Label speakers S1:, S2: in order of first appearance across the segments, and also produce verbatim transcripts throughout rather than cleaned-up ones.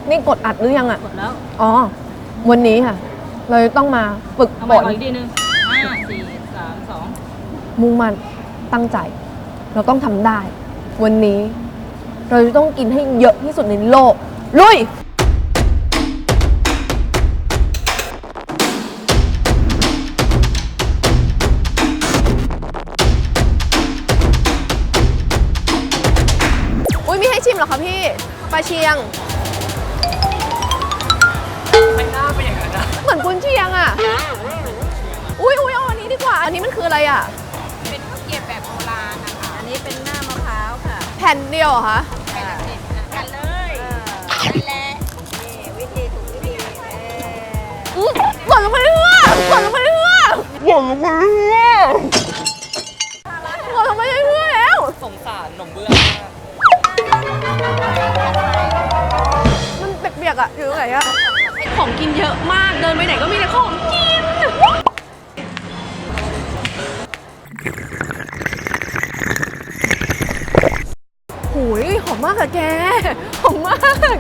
S1: นี่กดอัดหรือยังอ่ะ
S2: กดแล้ว
S1: อ๋อวันนี้ค่ะเราจะต้องมาฝึกฝน
S2: อีกทีนึงห้าสี่สามสอง
S1: มุ่งมั่นตั้งใจเราต้องทำได้วันนี้เราจะต้องกินให้เยอะที่สุดในโลกลุยอุ้ยมีให้ชิมเหรอคะพี่ปลาเชียง
S3: ไม่น่าเป็นอย่างนั้นนะ
S1: เหมือนกุนเชียงอ่ะอุ้ยอุ้ยเอาอันนี้ดีกว่าอันนี้มันคืออะไรอ่ะ
S4: เป็นข้าวเกรี๊ยวแบบโบราณนะคะอันนี้เป็นหน้ามะพร้าวค่ะ
S1: แผ่นเดียวเหรอคะ
S4: แผ่นเด็ดกันเลยนั่นแหละนี่วิธีถูกวิธีเออ
S1: หวานลงไปเรื่อยหวานลงไปเรื่อยหวานลงไปเรื่อยหวานลงไปเรื่อยแล้ว
S3: สงสารหนมเบื้อง
S1: มันเปียกๆอ่ะอยู่ตรงไหนอ่ะของกินเยอะมากเดินไปไหนก็มีแต่ของกินโอ้ยหอมมากอะแกหอมมาก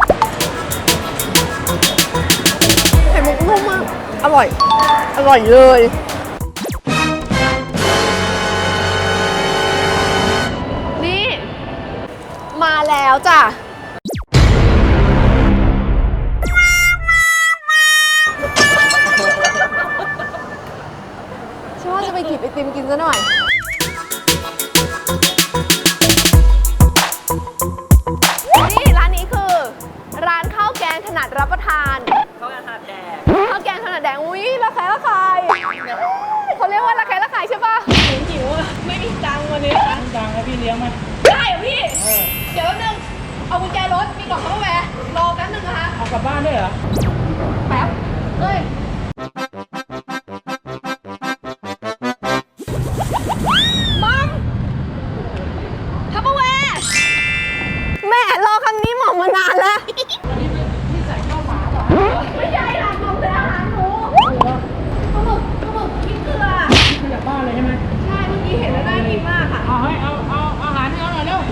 S1: ไข่มุกนุ่มมากอร่อยอร่อยเลยนี่มาแล้วจ้ะฉันว่าจะไปกินไอติมกินซะหน่อยนี่ร้านนี้คือร้านข้าวแกงถนัดรับประทาน
S3: ข้าวแกงถนัดแดง
S1: ข้าวแกงถนัดแดงอุ้ยระแคะระคายเขาเรียกว่าระแคะระคายใช่ปะหิวอ่ะไม่มีตังค์วันนี้นะ
S3: ตังค์ให้พี่เลี้ยงไหม
S1: ได้เหรอพี่เดี๋ยวแป๊บนึงเอากุญแจรถมีกล่องข้าวแวร์รอแป๊บนึงนะคะ
S3: เอากลับบ้านด้วยเหรอ
S1: แป๊บเฮ้ยมัมทัพเปอร์แวร์แม่รอคำนี้หม่อมมานานแล้ว
S3: พี่ใส่ข้าวหมาเหรอ
S1: ไม่ใช่หลานหม่อมเป็นอาหารหนูข้าวหมึกข้าวหมึกพริกเกลือ
S3: พี่กลับบ้านเลยใช่ไหม
S1: ใช่เมื่อกี้เห็นแล้วน่ากินมากค่ะ
S3: เอาให้เอาเอาอาหารให้เขาหน่อยเร็ว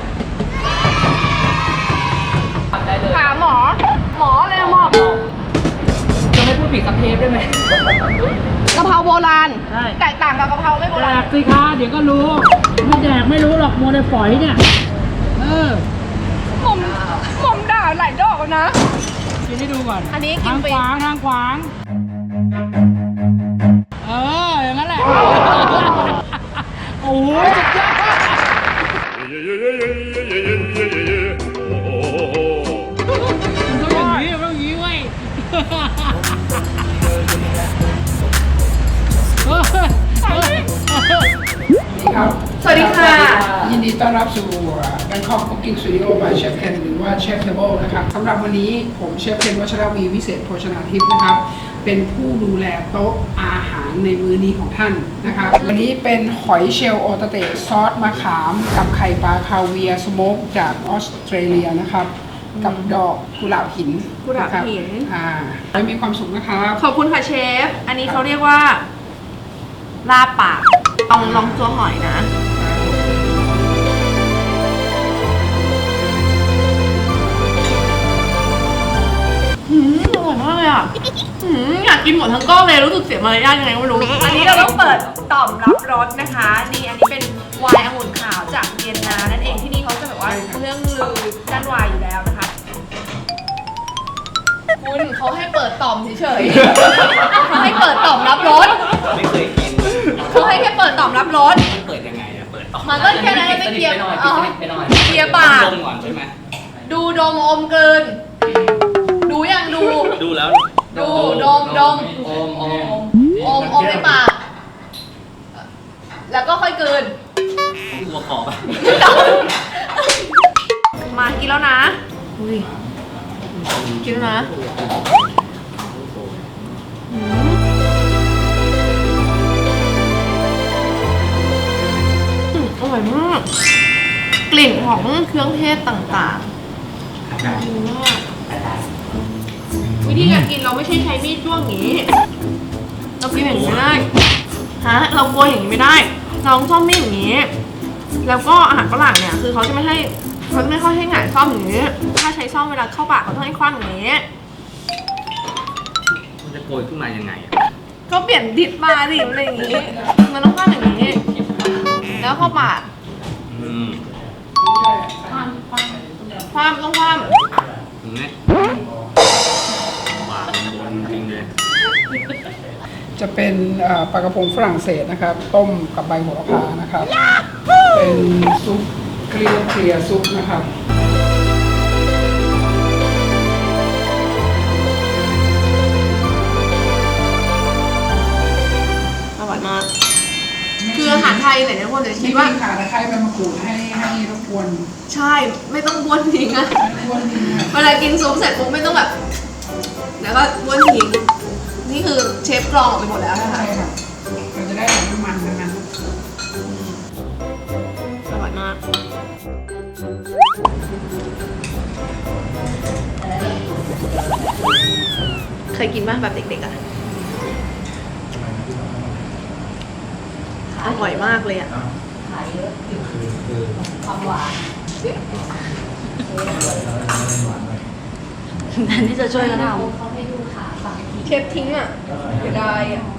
S3: ได้เลย
S1: ถามหมอหมอเลยหมอ
S3: จะไม่พูดผิดสักเทปได้ไหม
S1: กะเพราโบราณแตกต่างกับกะเพราไม่โบราณ
S3: แดกสิคะเดี๋ยวก็รู้ไม่แดกไม่รู้หรอกโมเดลฝอยเนี่ยเออ
S1: ผมผมด่าหลายดอกนะ
S3: กินให้ดูก่อน
S1: อันนี้กิน
S3: ทาง
S1: ไป
S3: ขวางทางขวางเอออย่างนั้นแหละโอ้ยสุดยอดมันต้องอย่างนี้มันต้องอย่างนี้เว้ย
S5: ครับ
S1: สวัสดีค่ะ
S5: ยินดีต้อนรับสู่ Bangkok Cooking Studio by Chef Ken หรือว่า Chef Table นะครับสำหรับวันนี้ผมเชฟเคนวัชรวีวิเศษโภชนาทิพย์นะครับเป็นผู้ดูแลโต๊ะอาหารในมื้อนี้ของท่านนะครับวันนี้เป็นหอยเชลล์โอตาเตะซอสมะขามกับไข่ปลาคาเวียร์สโมกจากออสเตรเลียนะครับกับดอกกุหลาบหิน
S1: กุหลาบหิน
S5: อ่าให้มีความสุขนะครับ
S1: ขอบคุณค่ะเชฟอันนี้เขาเรียกว่าลาบปากลองลองตัวหอยนะอืมอร่อยมากเลยอ่ะอืมอยากกินหมดทั้งก้อนเลยรู้สึกเสียมารยาทยังไงไม่รู้อันนี้เราต้องเปิดต่อมรับรสนะคะนี่อันนี้เป็นไวน์องุ่นขาวจากเวียนนานั่นเองที่นี่เขาจะแบบว่าเรื่องลือด้านไวน์อยู่แล้วนะคะคุณเขาให้เปิดต่อมเฉยๆเขาให้เปิดต่อมรับรส
S3: ไม่เคยกิน
S1: เขาให้แค่เปิดต่อมรับรส
S3: มันเปิดยังไงอะเปิดต่อ
S1: มันก็แค่นั้นไม่เกียร์เกียร์ปาก
S3: ดมก่อนใช่ไหม
S1: ดูดมอมเกินดูยังดู
S3: ดูแล้ว
S1: ดูดมดม
S3: อมอม
S1: อมอมในปากแล้วก็ค่อยเกิน
S3: หัวขอบ
S1: มากินแล้วนะกินแล้วนะอร่อยมากกลิ่นของเครื่องเทศต่างๆดีมากวิธีการกินเราไม่ใช่ใช้มีดจ้วงอย่างนี้เรากินอย่างนี้ไม่ได้ฮะเรากลัวอย่างนี้ไม่ได้เราต้องชอบมีดอย่างนี้แล้วก็อาหารฝรั่งเนี่ยคือเขาจะไม่ให้เขาไม่ค่อยให้หงายซ่อมอย่างนี้ ถ้าใช้ซ่อมเวลาเข้าปากเขาต้องให้คว้างอย่างนี้
S6: มันจะโกยขึ้นมายังไงอะ
S1: ก็เปลี่ยนดิบมาดิอะไรอย่างนี้ มันต้องคว้างอย่างนี้ แล้วเข้าปาก
S6: อืม
S1: คว้างต้องคว้าง
S6: อย่างนี้หวานบนจริงเลย
S5: จะเป็นเอ่อปลากระพงฝรั่งเศสนะครับ ต้มกับใบโหระพานะครับ เป็นซุปเกลียวเคลียร์ซุปนะครับ
S1: อร่อยมาก คืออาหารไทยเนี่ยทุกคนจะคิ
S5: ที่
S1: ดว่า
S5: ว่าขาตะไคร้ใบมะกรูดให้ให้รบกวน
S1: ใช่ ไม่ต้องบ้วนทิ้งอะ
S5: รบกวนนิดนึง
S1: เวลากินซุปเสร็จปุ๊บไม่ต้องแบบ แล้วก็บ้วนทิ้ง นี่คือเชฟกรองออกไปหมดแล้วนะคะ
S5: ใช่ครับเราจะได้แบบน้ำมันทั้งนั้น
S1: อร่อยมาก เคยกินบ้างแบบเด็กๆอ่ะ อร่อยมากเลยอ่ะ
S2: แทนที่จะช่วยกันท
S1: เชฟทิ้งอ่ะเสียดายอ่ะ